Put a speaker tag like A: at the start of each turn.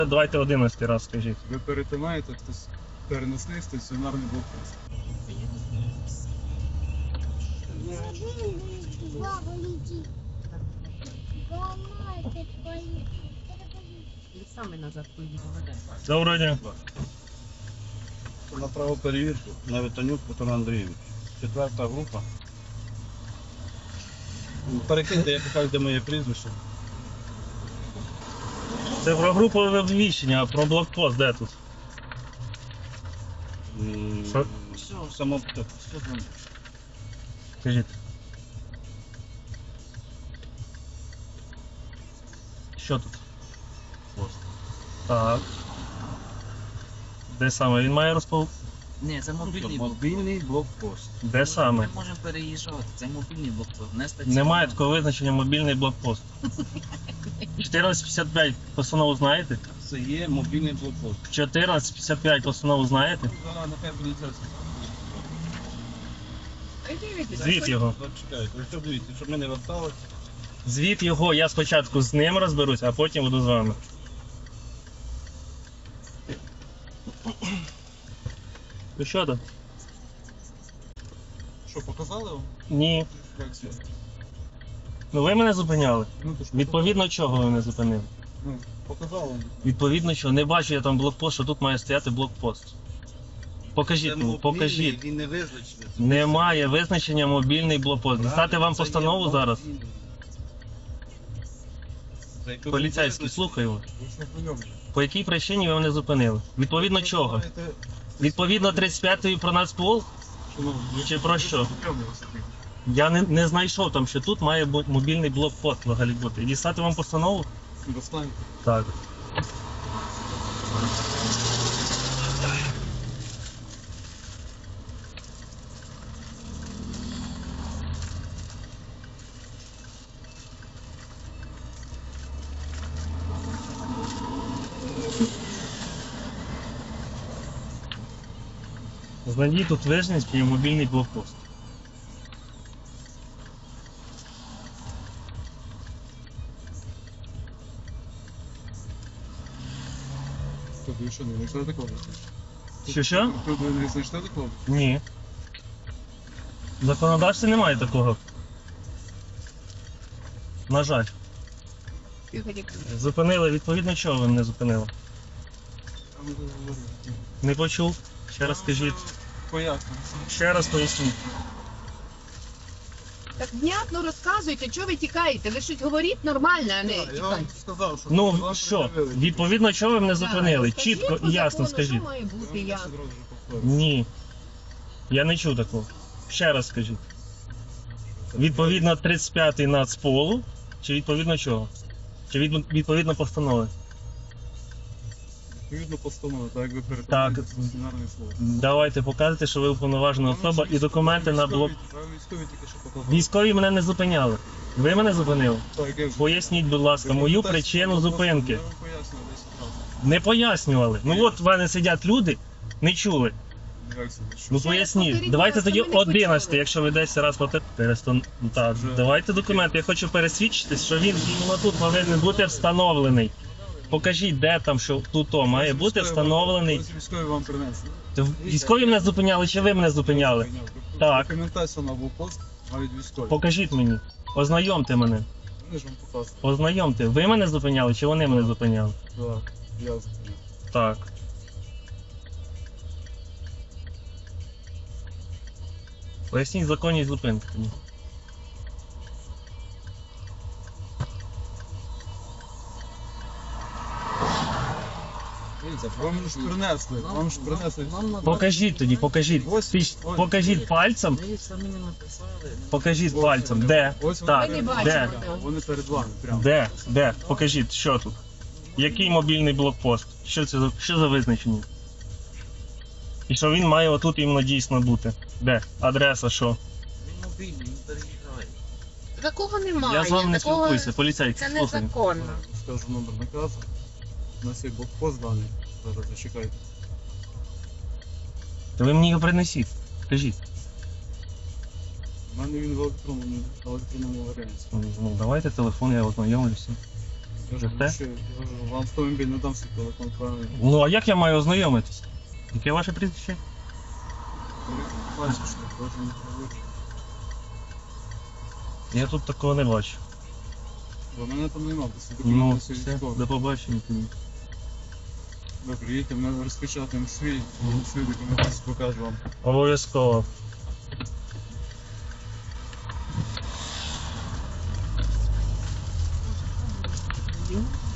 A: Давайте 11 раз скажіть.
B: Ви перетинаєте переносний стаціонарний блокпост.
C: Саме назад поїхали.
A: Доброго дня.
D: На правоперевірку на Витанюк Петро Андрійович. 4-та група. Перекиньте, як кажуть, де моє прізвище.
A: Це про групове обвіщення, а про блокпост де тут? Що?
D: Все, само все там.
A: Скажіть. Що тут? Так. Де саме? Він має
C: Ні, це мобільний блокпост.
D: Мобільний блокпост.
A: Де саме?
C: Ми можемо переїжджати, це мобільний блокпост, не стаціонарний.
A: Немає такого визначення мобільний блокпост. 1455 постанову знаєте?
D: Це є мобільний блокпост.
A: 1455 постанову знаєте?
D: Зараз нехай буде це.
A: Звіт його.
D: Чекайте, ви що дивіться, щоб ми не верталися.
A: Звіт його, я спочатку з ним розберусь, а потім буду з вами. Ну що там?
B: Що, показали вам?
A: Ні.
B: Як це?
A: Ну ви мене зупиняли.
B: Ну, то ж
A: Відповідно чого ви мене зупинили?
B: Ну, показали вам.
A: Відповідно чого? Не бачу я там блокпост, що тут має стояти блокпост. Покажіть мені, покажіть.
D: Він не визначений.
A: Немає визначення мобільний блокпост. Дістати вам
D: Це є
A: постанову зараз?
D: мобільний. За яку
A: Поліцейський,
D: визначений.
A: слухаю.
B: Ви ж не прийомні.
A: По якій причині ви мене зупинили? Відповідно чого?
B: знаєте,
A: Відповідно 35-ї про Нацпол?
B: шановні,
A: Чи про що?
B: прийомні ви собі.
A: Я не знайшов там, що тут має бути мобільний блокпост взагалі бути. І дістати вам постанову?
B: Достаньте.
A: Так. Знайдіть тут вижність і мобільний блокпост.
B: Тут ви що, не знайшли такого?
A: Що?
B: Тут ви не знайшли такого?
A: Ні. В законодавстві немає такого. На жаль. Зупинили, відповідно чого ви мене зупинили?
B: А ми тут говоримо.
A: Не почув. Ще раз скажіть.
B: Поясню.
A: Ще раз поясніть.
E: Так внятно розказуйте, чого ви тікаєте? Ви щось говоріть нормально, а не
B: Я вам
E: тікайте.
B: сказав, що
A: Ну
B: вам
A: що,
B: пред'явили.
A: відповідно чого ви мене зупинили?
E: Скажіть
A: Чітко
E: по
A: і ясно
E: закону,
A: скажіть.
E: Що має бути
B: Я вам
E: ясно?
B: одразу вже повторюю.
A: Ні. Я не чув такого. Ще раз скажіть. Відповідно 35-й Нацполу, чи відповідно чого? Чи відповідно постанови?
B: Відповідно постанови, так як ви
A: Так.
B: перетинаєте стаціонарний слово.
A: Давайте покажете, що ви уповноважена особа і документи на блок.
B: Військові тільки що показали.
A: Військові мене не зупиняли. Ви мене зупинили?
B: Так, як же.
A: Поясніть, будь ласка, мою причину зупинки.
B: Я вам пояснюю 10 разів.
A: Не пояснювали. Ну от в мене сидять люди, не чули.
B: Як це? Що?
A: Ну
E: Ще раз
A: поясніть.
E: повторіть,
A: Давайте
E: будь ласка,
A: тоді
E: ми не
A: 11,
E: почули.
A: якщо ви 10 раз повторите. Так,
B: Вже.
A: давайте документи. Я хочу пересвідчитись, що він іменно тут повинен бути встановлений. Покажіть, де там, що тут має бути
B: Військові
A: встановлений.
B: Ось військові вам принесли.
A: Військові мене зупиняли чи ви мене зупиняли? Так.
B: Документація на блокпост, навіть військові.
A: Покажіть мені. Ознайомте мене.
B: Вони ж вам показують.
A: Ознайомте. Ви мене зупиняли чи вони мене зупиняли?
B: Так, ясно.
A: Так. Поясніть законність зупинки. тоді.
B: Дивіться, вам ж принесли. Вам ж принесли.
A: Покажіть тоді, покажіть.
B: Ось, ось.
A: Покажіть пальцем.
C: Ви самі не написали.
A: Покажіть
B: Ось
A: пальцем.
B: вони.
A: Де?
B: Ось вони
A: Так,
E: Ми не
B: перед
A: де?
E: бачимо.
B: вами. Вони перед вами, прямо.
A: Де? Де? Покажіть, що тут? Який мобільний блокпост? Що за визначення? І що він має отут іменно дійсно бути? Де? Адреса що?
C: Він мобільний, він переїжджає.
E: Такого немає.
A: Я з вами не
E: такого...
A: спілкуюся, поліцейський,
E: Це
A: слухай.
E: незаконно.
B: Скажу номер наказу. У нас є блокпост даний. Зараз зачекайте.
A: То ви мені його принесіть. Скажіть.
B: У мене він в електронному варіанті.
A: Ну, давайте телефон, я ознайомлюся.
B: Я ж
A: Те?
B: що, я кажу, вам автомобіль не дам свій телефон, правильно?
A: Ну а як я маю ознайомитись? Яке ваше прізвище?
B: Бачиш, що кожен не привик.
A: Я тут такого не бачу.
B: Бо мене там нема, бо всі
A: Ну,
B: документи всі
A: все,
B: військові.
A: до побачення.
B: Ви приїдете, ми розпечатаємо свій документ, покажу вам.
A: Обов'язково.
E: Ні.